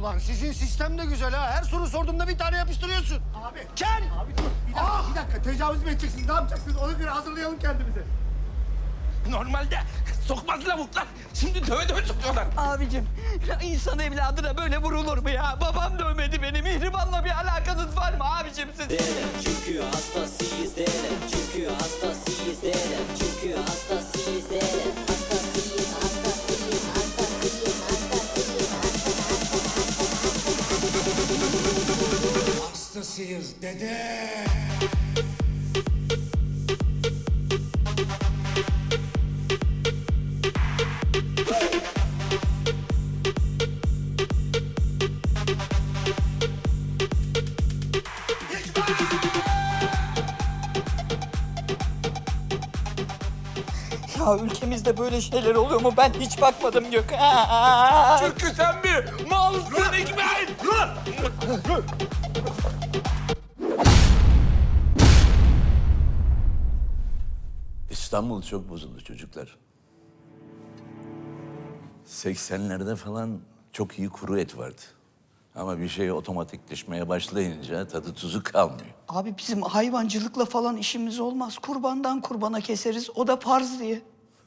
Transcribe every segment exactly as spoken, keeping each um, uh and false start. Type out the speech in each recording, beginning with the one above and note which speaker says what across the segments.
Speaker 1: Ulan sizin sistem de güzel ha. Her soru sorduğumda bir tane yapıştırıyorsun.
Speaker 2: Abi.
Speaker 1: Ken!
Speaker 2: Abi dur. Bir dakika,
Speaker 1: Ah!
Speaker 2: bir dakika. Tecavüz mü edeceksiniz? Ne yapacaksınız? Ona göre hazırlayalım kendimizi.
Speaker 3: Normalde sokmaz lavuklar. Şimdi döve döve sokuyorlar.
Speaker 4: Abicim, ya insan evladına böyle vurulur mu ya? Babam dövmedi beni. Mihriban'la bir alakanız var mı abicim siz?
Speaker 5: Derim çünkü hastasıyız derim çünkü hastasıyız derim çünkü hastasıyız derim hastasıyız hastasıyız hastasıyız hastasıyız
Speaker 1: Hastasıyız dede.
Speaker 4: Ya ülkemizde böyle şeyler oluyor mu? Ben hiç bakmadım Gökhan.
Speaker 3: Çünkü sen bir malsın Hikmet.
Speaker 6: İstanbul çok bozuldu çocuklar. seksenlerde falan çok iyi kuru et vardı. Ama bir şey otomatikleşmeye başlayınca tadı tuzu kalmıyor.
Speaker 4: Abi bizim hayvancılıkla falan işimiz olmaz. Kurbandan kurbana keseriz. O da farz diye.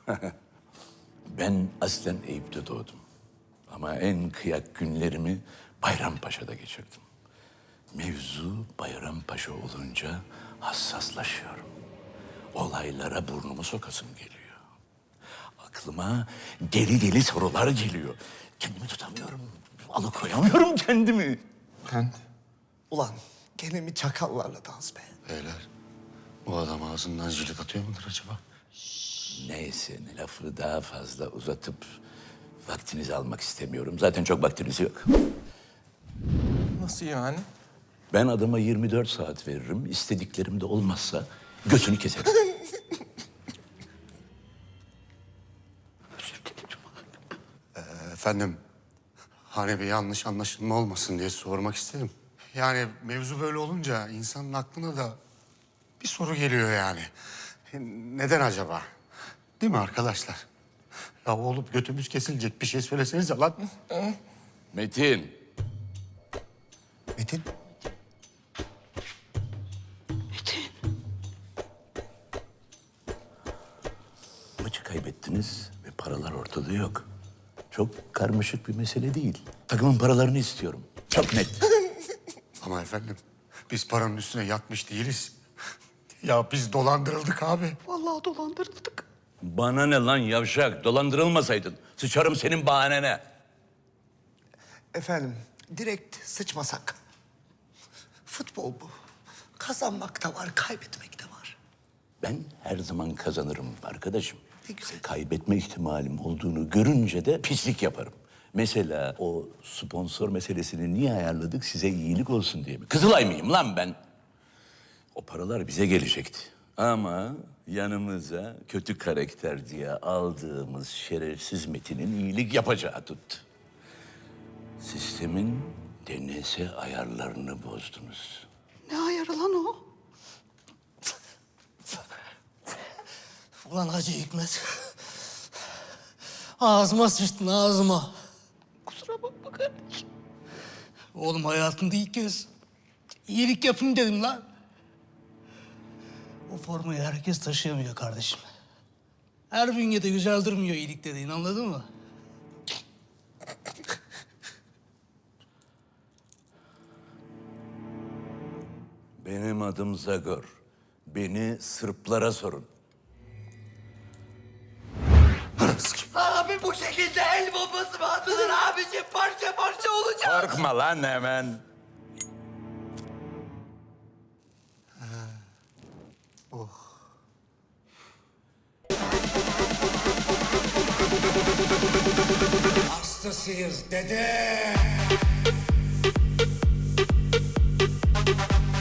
Speaker 6: Ben aslen Eyüp'te doğdum. Ama en kıyak günlerimi Bayrampaşa'da geçirdim. Mevzu Bayrampaşa olunca hassaslaşıyorum. Olaylara burnumu sokasım geliyor. Aklıma deli deli sorular geliyor. Kendimi tutamıyorum. Alıkoyamıyorum kendimi.
Speaker 7: Kent. Ulan gene mi çakallarla dans be?
Speaker 8: Beyler, bu adam ağzından jilet atıyor mudur acaba?
Speaker 6: Neyse, lafı daha fazla uzatıp vaktinizi almak istemiyorum. Zaten çok vaktiniz yok.
Speaker 3: Nasıl yani?
Speaker 6: Ben adama yirmi dört saat veririm. İstediklerim de olmazsa götünü keserim.
Speaker 8: Efendim, hani bir yanlış anlaşılma olmasın diye sormak istedim. Yani mevzu böyle olunca insanın aklına da bir soru geliyor yani. Neden acaba? Değil mi arkadaşlar? Ya olup götümüz kesilecek bir şey söylesenize lan.
Speaker 6: Metin,
Speaker 7: Metin.
Speaker 6: maçı kaybettiniz ve paralar ortada yok. Çok karmaşık bir mesele değil. Takımın paralarını istiyorum. Çok net.
Speaker 8: Ama efendim, biz paranın üstüne yatmış değiliz. Ya biz dolandırıldık abi.
Speaker 4: Vallahi dolandırıldık.
Speaker 6: Bana ne lan yavşak? Dolandırılmasaydın. Sıçarım senin bahanene.
Speaker 7: Efendim direkt sıçmasak. Futbol bu. Kazanmak da var, kaybetmek de var.
Speaker 6: Ben her zaman kazanırım arkadaşım.
Speaker 7: Ne güzel.
Speaker 6: Kaybetme ihtimalim olduğunu görünce de pislik yaparım. Mesela o sponsor meselesini niye ayarladık? Size iyilik olsun diye mi? Kızılay mıyım lan ben? O paralar bize gelecekti. Ama yanımıza kötü karakter diye aldığımız şerefsiz Metin'in iyilik yapacağı tuttu. Sistemin D N S ayarlarını bozdunuz.
Speaker 4: Ne ayarı lan o?
Speaker 7: Ulan Hacı Hikmet. Ağzıma sıçtın ağzıma.
Speaker 4: Kusura bakma kardeşim.
Speaker 7: Oğlum hayatımda ilk kez iyilik yapayım dedim lan. O formayı herkes taşıyamıyor kardeşim. Her bünyede güzel durmuyor iyilik dediğin, anladın mı?
Speaker 6: Benim adım Zagor. Beni Sırplara sorun.
Speaker 4: Abi bu şekilde el bombası mı atılır abicim? Parça parça olacak.
Speaker 6: Korkma lan hemen.
Speaker 1: Hastasıyız dede.